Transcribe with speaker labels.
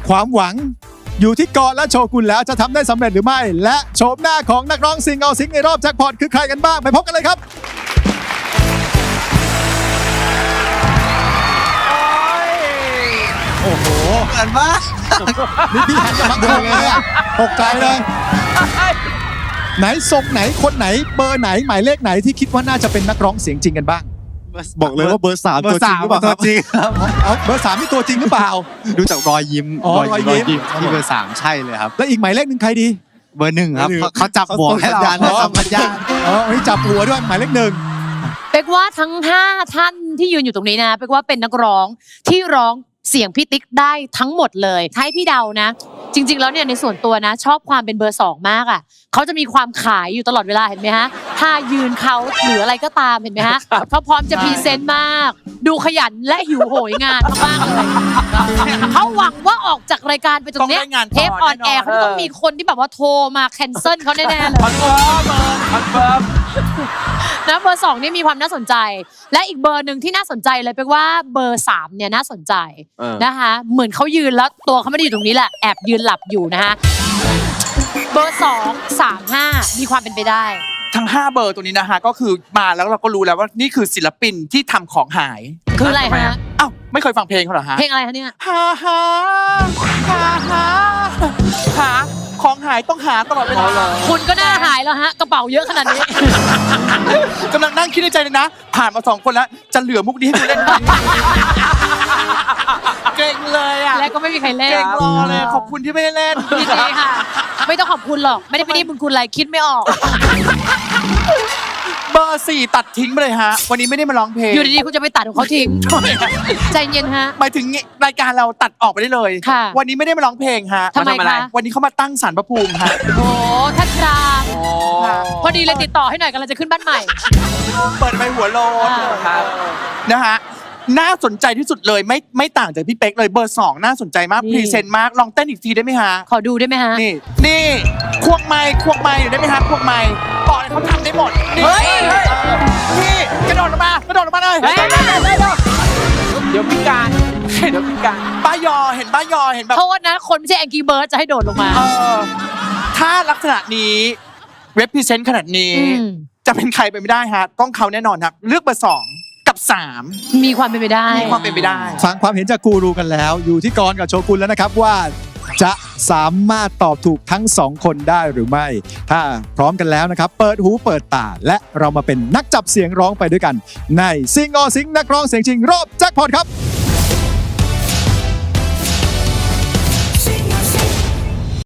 Speaker 1: ความหวังอยู่ที่กรและโชกุนแล้วจะทำได้สำเร็จหรือไม่และโฉมหน้าของนักร้องซิงเอาซิงในรอบแจ็คพอตคือใครกันบ้างไปพบกันเลยครับโอ้โห
Speaker 2: เหมือนมาก
Speaker 1: นี่พี่หันมาดูเลยอะตกใจเลยไหนทรงไหนคนไหนเบอร์ไหนหมายเลขไหนที่คิดว่าน่าจะเป็นนักร้องเสียงจริงกันบ้าง
Speaker 3: บอกเลยว่าเบอร์ 3 ตัวจริงหรือเปล่าครับ
Speaker 2: จริงครับ
Speaker 1: เอาเบอร์3นี่ตัวจริงหรือเปล่า
Speaker 3: ดูจากรอยยิ้ม
Speaker 1: อ๋อรอยยิ้ม
Speaker 3: ที่เบอร์ 3 ใช่เลยครับ
Speaker 1: แล้วอีกหมายเลขหนึ่งใครดี
Speaker 3: เบอร์ 1 ครับ
Speaker 1: เบอร์หนึ่ง
Speaker 3: เขาจับหัวให้เรา
Speaker 1: เขาส่งสัญญาณ อ๋อวันนี้จับหัวด้วยหมายเลขหนึ่ง
Speaker 4: เป๊กว่าทั้ง5ท่านที่ยืนอยู่ตรงนี้นะเป๊กว่าเป็นนักร้องที่ร้องเสียงพี่ติ๊กได้ทั้งหมดเลยให้พี่เดานะจริงๆแล้วเนี่ยในส่วนตัวนะชอบความเป็นเบอร์2มากอ่ะเขาจะมีความขายอยู่ตลอดเวลาเห็นไหมฮะถ้ายืนเขาหรืออะไรก็ตามเห็นไหมฮะเขาพร้อมจะพรีเซนต์มาก ดูขยันและหิวโหยงานมากๆเลยเขาหวังว่าออกจากรายการไปตรงเนี้ย
Speaker 5: ต้องได้งานต่อ
Speaker 4: เทปออนแอร์
Speaker 5: แน่นอน
Speaker 4: เขาจะต้องมีคนที่แบบว่าโทรมาแคนเซิลเขาแน่ๆเลย
Speaker 5: คอนเฟิร์ม
Speaker 4: นะเบอร์2นี่มีความน่าสนใจและอีกเบอร์หนึ่งที่น่าสนใจเลยเป็นว่าเบอร์3เนี่ยน่าสนใจนะคะเหมือนเขายืนแล้วตัวเขาไม่ได้อยู่ตรงนี้แหละแอบยืนหลับอยู่นะคะเบอร์2 3 5มีความเป็นไปได้
Speaker 5: ทั้ง5เบอร์ตัวนี้นะฮะก็คือมาแล้วเราก็รู้แล้วว่านี่คือศิลปินที่ทำของหาย
Speaker 4: คืออะไรฮะ
Speaker 5: อ้าวไม่เคยฟังเพลงเขาเหรอฮะ
Speaker 4: เพลงอะไรคะเนี่ย
Speaker 5: หาหาหาหาหาของหายต้องหาตลอดเวลา
Speaker 4: คุณก็น่าหายแล้วฮะกระเป๋าเยอะขนาดนี้
Speaker 5: กำลังนั่งคิดในใจเลยนะ ผ่านมา2คนแล้วจะเหลือมุกนี้ให้กูเล่นไหมเก่งเลยอ่ะ
Speaker 4: และก็ไม่มีใครเล่น
Speaker 5: เก่งรอเลยขอบคุณที่ไม่ได้เล่น
Speaker 4: ยินดีค่ะ ไม่ต้องขอบคุณหรอกไม่ได้ไปนี่บุญคุณอะไรคิดไม่ออก
Speaker 5: เบอร์4ตัดทิ้งไปเลยฮะวันนี้ไม่ได้มาร้องเพลง
Speaker 4: อยู่ดีๆคุณจะไปตัดของเขาทิ้งใจเย็นฮะ
Speaker 5: หมายถึงรายการเราตัดออกไปได้เลย
Speaker 4: ค่ะ
Speaker 5: วันนี้ไม่ได้มาร้องเพลงฮะ
Speaker 4: ทำไมคะ
Speaker 5: วันนี้เขามาตั้งศาลพระภูมิฮะ
Speaker 4: โอ้ท่านพรามพอดีเลยติดต่อให้หน่อยกำลังจะขึ้นบ้านใหม่
Speaker 5: เปิดไปหัวโลน
Speaker 4: ครับ
Speaker 5: นะฮะน่าสนใจที่สุดเลยไม่ต่างจากพี่เป๊กเลยเบอร์2น่าสนใจมาก
Speaker 4: นี่
Speaker 5: พรีเซนต์มากลองเต้นอีกทีได้ไหมฮะ
Speaker 4: ขอดูได้ไหมฮะ
Speaker 5: นี่ควงไม้เดี๋ยวได้ไหมฮะควงไม้บอกเลยเขาทำได้หมดนี่กระโดดลงมเลย
Speaker 2: เดี๋ยวพิการ
Speaker 5: บ้ายอเห็นแบบ
Speaker 4: โทษนะคนไม่ใช่แองกี้เบิร์ดจะให้โดดลงมา
Speaker 5: ถ้าลักษณะนี้เรปพรีเซนต์ขนาดนี้
Speaker 4: อืม
Speaker 5: จะเป็นใครไปไม่ได้ฮะต้องเขาแน่นอนครับเลือกเบอร์2กับ3
Speaker 4: มีความเป็นไปได้
Speaker 5: มีความเป็นไปได้
Speaker 1: ฟังความเห็นจากกูรูกันแล้ว อยู่ที่กรกับโชกุนแล้วนะครับว่าจะสามารถตอบถูกทั้ง2คนได้หรือไม่ ถ้าพร้อมกันแล้วนะครับเปิดหูเปิดตาและเรามาเป็นนักจับเสียงร้องไปด้วยกันในซิงออซิงนักร้องเสียงจริงรอบแจ็คพอตครับ